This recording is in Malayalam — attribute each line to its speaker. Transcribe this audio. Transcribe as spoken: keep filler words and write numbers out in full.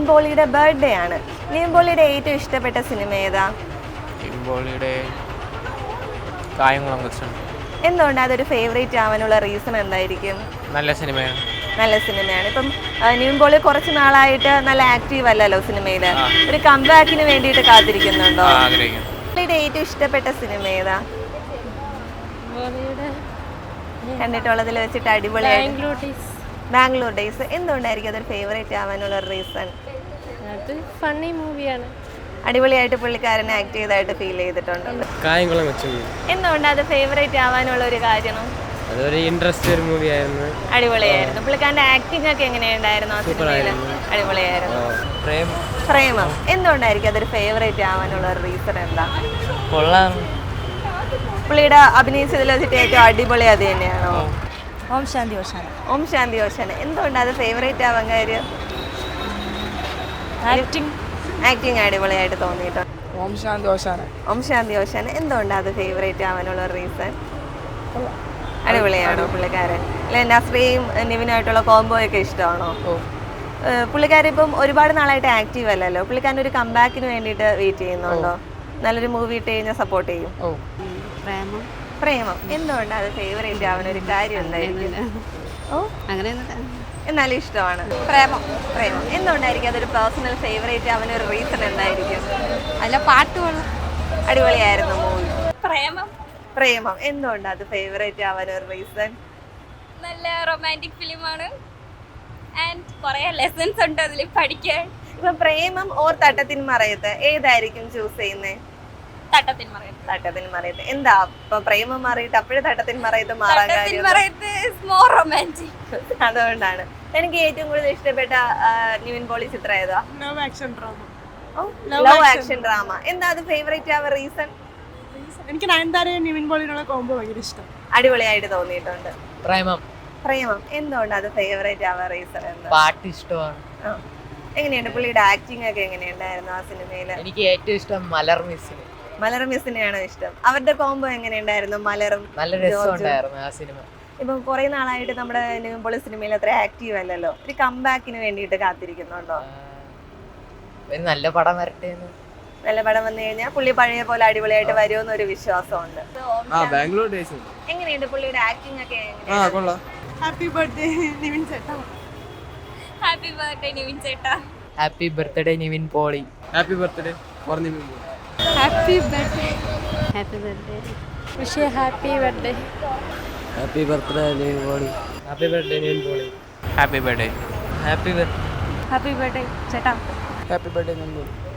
Speaker 1: പോളിയുടെ ബർത്ത്ഡേ ആണ്. നിവിൻ പോളിയുടെ ഏറ്റവും ഇഷ്ടപ്പെട്ട സിനിമ ഏതാ?
Speaker 2: നിവിൻ പോളിയുടെ കായംകുളം കൊച്ചൻ.
Speaker 1: എന്തുകൊണ്ട് അതൊരു ഫേവറേറ്റ് ആവാനുള്ള റീസൺ എന്തായിരിക്കും?
Speaker 2: നല്ല സിനിമയാണ്.
Speaker 1: നല്ല സിനിമയാണ്. ഇപ്പം നിവിൻ പോളി കുറച്ച് നാളായിട്ട് നല്ല ആക്റ്റീവ് അല്ലല്ലോ സിനിമയിൽ. ഒരു കംബാക്കിന് വേണ്ടിയിട്ട് കാത്തിരിക്കുന്നുണ്ടോ? പോളിയുടെ ഏറ്റവും ഇഷ്ടപ്പെട്ട സിനിമ ഏതാ? കണ്ടിട്ടുള്ളതിൽ വെച്ചിട്ട് അടിപൊളിയായിട്ട് ബാംഗ്ലൂർ ഡേയ്സ്. എന്തുകൊണ്ടായിരിക്കും അതൊരു ഫേവറേറ്റ് ആവാനുള്ള റീസൺ?
Speaker 3: അത് ഫണ്ണി മൂവിയാണ്.
Speaker 1: അടിപൊളിയായിട്ട് പുള്ളിക്കാരനെ ആക്ട് ചെയ്തതായിട്ട് ഫീൽ ചെയ്തിട്ടുണ്ട്.
Speaker 4: കായംകുളം കൊച്ചൻ.
Speaker 1: എന്തുകൊണ്ട് അത് ഫേവറേറ്റ് ആവാനുള്ള ഒരു കാരണം?
Speaker 4: അതൊരു ഇൻട്രസ്റ്റ് ഒരു മൂവി ആയിരുന്നു.
Speaker 1: അടിപൊളിയായിരുന്നു. പുള്ളിക്കാരന്റെ ആക്ടിംഗ് ഒക്കെ എങ്ങനെയുണ്ടായിരുന്നു ആ സിനിമയിൽ? അടിപൊളിയായിരുന്നു. പ്രേമം. എന്തുകൊണ്ടായിരിക്കും അതൊരു ഫേവറേറ്റ് ആവാനുള്ള ഒരു റീസൺ എന്താ?
Speaker 4: കൊള്ളാം.
Speaker 1: പുള്ളിയുടെ അഭിനയിച്ചതിൽ വെച്ചിട്ട് ഏറ്റവും അടിപൊളി അത് തന്നെയാണോ?
Speaker 5: ഓം ശാന്തി ഓശാന.
Speaker 1: ഓം ശാന്തി ഓശാന. എന്തുകൊണ്ട് അത് ഫേവറേറ്റ് ആവാൻ കാര്യം?
Speaker 5: ആക്ടിങ്
Speaker 1: ആക്ടിങ് അടിപൊളിയായിട്ട് തോന്നിയിട്ടുണ്ട്.
Speaker 4: ഓം ശാന്തി ഓശാന.
Speaker 1: ഓം ശാന്തി ഓശാന. എന്തുകൊണ്ട് അത് ഫേവറേറ്റ് ആവാനുള്ള റീസൺ? അടിപൊളിയാണോ പുള്ളിക്കാരൻ? അല്ലെ നസ്രിയും നിവിനായിട്ടുള്ള കോംബോ ഒക്കെ ഇഷ്ടമാണോ? പുള്ളിക്കാരൻ ഇപ്പം ഒരുപാട് നാളായിട്ട് ആക്റ്റീവ് അല്ലല്ലോ. പുള്ളിക്കാരൻ ഒരു കംബാക്കിന് വേണ്ടിയിട്ട് വെയിറ്റ് ചെയ്യുന്നുണ്ടോ? നല്ലൊരു മൂവി ഇട്ട് കഴിഞ്ഞാൽ സപ്പോർട്ട് ചെയ്യും.
Speaker 3: പ്രേമം.
Speaker 1: പ്രേമം. എന്തുകൊണ്ട് അത് ഫേവറേറ്റ് ആവുന്ന ഒരു കാര്യം എന്തായിരിക്കും? ഓ
Speaker 3: അങ്ങനെ
Speaker 1: എന്നാലും ഇഷ്ടമാണ്. പ്രേമം. പ്രേമം. എന്തുകൊണ്ടായിരിക്കും അതൊരു പേഴ്സണൽ ഫേവറേറ്റ് ആവുന്ന ഒരു റീസൺ എന്തായിരിക്കും?
Speaker 3: അല്ല പാട്ടുകൾ
Speaker 1: അടിപൊളിയായിരുന്നു മൂവി.
Speaker 3: പ്രേമം.
Speaker 1: പ്രേമം. എന്തുകൊണ്ട് അത് ഫേവറേറ്റ് ആവാൻ ഒരു റീസൺ?
Speaker 3: നല്ല റൊമാൻറ്റിക് ഫിലിമാണ് ആൻഡ് കുറേ ലെസൺസ് ഉണ്ട് അതിൽ പഠിക്കാൻ.
Speaker 1: ഇപ്പൊ പ്രേമം ഓർ തട്ടത്തിൻ മറയത്ത് ഏതായിരിക്കും ചൂസ് ചെയ്യുന്നേ?
Speaker 3: തട്ടത്തിൻ മറയത്ത്.
Speaker 1: തട്ടത്തിൻ മറയത്ത്. എന്താ ഇപ്പൊ പ്രേമം മാറിയിട്ട് അപ്പോഴും തട്ടത്തിൻ മറയത്ത് മാറാൻ കാര്യം?
Speaker 3: More romantic.
Speaker 1: അതുകൊണ്ടാണ്. എനിക്ക് ഏറ്റവും കൂടുതൽ ഇഷ്ടപ്പെട്ട നിവിൻ പോളി ചിത്രം ഏതാ?
Speaker 5: Love action drama.
Speaker 1: Love action drama. എന്താ അത് ഫേവറേറ്റ് ആവാൻ റീസൺ?
Speaker 5: എനിക്ക് നയൻതാരയും നിവിൻ പോളിയുള്ള കോംബോ ഭയങ്കര ഇഷ്ടം.
Speaker 1: അടിപൊളിയായിട്ട് തോന്നിയിട്ടുണ്ട്.
Speaker 4: പ്രേമം.
Speaker 1: പ്രേമം. എന്തുകൊണ്ട് അത് ഫേവറേറ്റ് ആവാൻ റീസൺ എന്താ?
Speaker 4: പാട്ട് ഇഷ്ടമാണ്.
Speaker 1: എങ്ങനെയുണ്ട് പുള്ളിയുടെ ആക്ടിംഗ് ഒക്കെ എങ്ങനെയുണ്ടായിരുന്നു ആ സിനിമയില്?
Speaker 4: എനിക്ക് ഏറ്റവും ഇഷ്ടം മലർ മിസ്സിന്.
Speaker 1: മലർ മിസ്സിനെയാണോ ഇഷ്ടം? അവരുടെ കോംബോ എങ്ങനെയുണ്ടായിരുന്നു? മലറും
Speaker 4: നല്ല രസമുണ്ടായിരുന്നു ആ സിനിമ.
Speaker 1: ഇപ്പം കുറെ നാളായിട്ട് നമ്മുടെ നിവിൻ പോളി സിനിമയിൽ അത്ര ആക്റ്റീവ് അല്ലല്ലോ. ഒരു കംബാക്കിന് വേണ്ടിയിട്ട് കാത്തിരിക്കുന്നുണ്ടോ?
Speaker 4: നല്ല പടം വരട്ടെ.
Speaker 1: നല്ല പടം വന്നു കഴിഞ്ഞാൽ പുള്ളി പഴയ പോലെ അടിപൊളിയായിട്ട് വരുമെന്നൊരു വിശ്വാസമുണ്ട്.
Speaker 4: ബാംഗ്ലൂർ ഡേയ്സ്.
Speaker 1: എങ്ങനെയുണ്ട് പുള്ളിയുടെ ആക്ടിംഗ് ഒക്കെ?
Speaker 5: ഹാപ്പി ബർത്ത്ഡേ നിവിൻ ചേട്ടാ.
Speaker 3: ഹാപ്പി ബർത്ത്ഡേ നിവിൻ ചേട്ടാ.
Speaker 4: Happy birthday Nivin Pauly. Happy birthday for Nivin Pauly.
Speaker 3: Happy birthday. Happy birthday. Wish happy birthday.
Speaker 4: Happy birthday Nivin Pauly. Happy birthday Nivin Pauly.
Speaker 2: Happy birthday.
Speaker 4: Happy birthday.
Speaker 5: Happy birthday ചേട്ടാ.
Speaker 4: Happy birthday Nivin poly.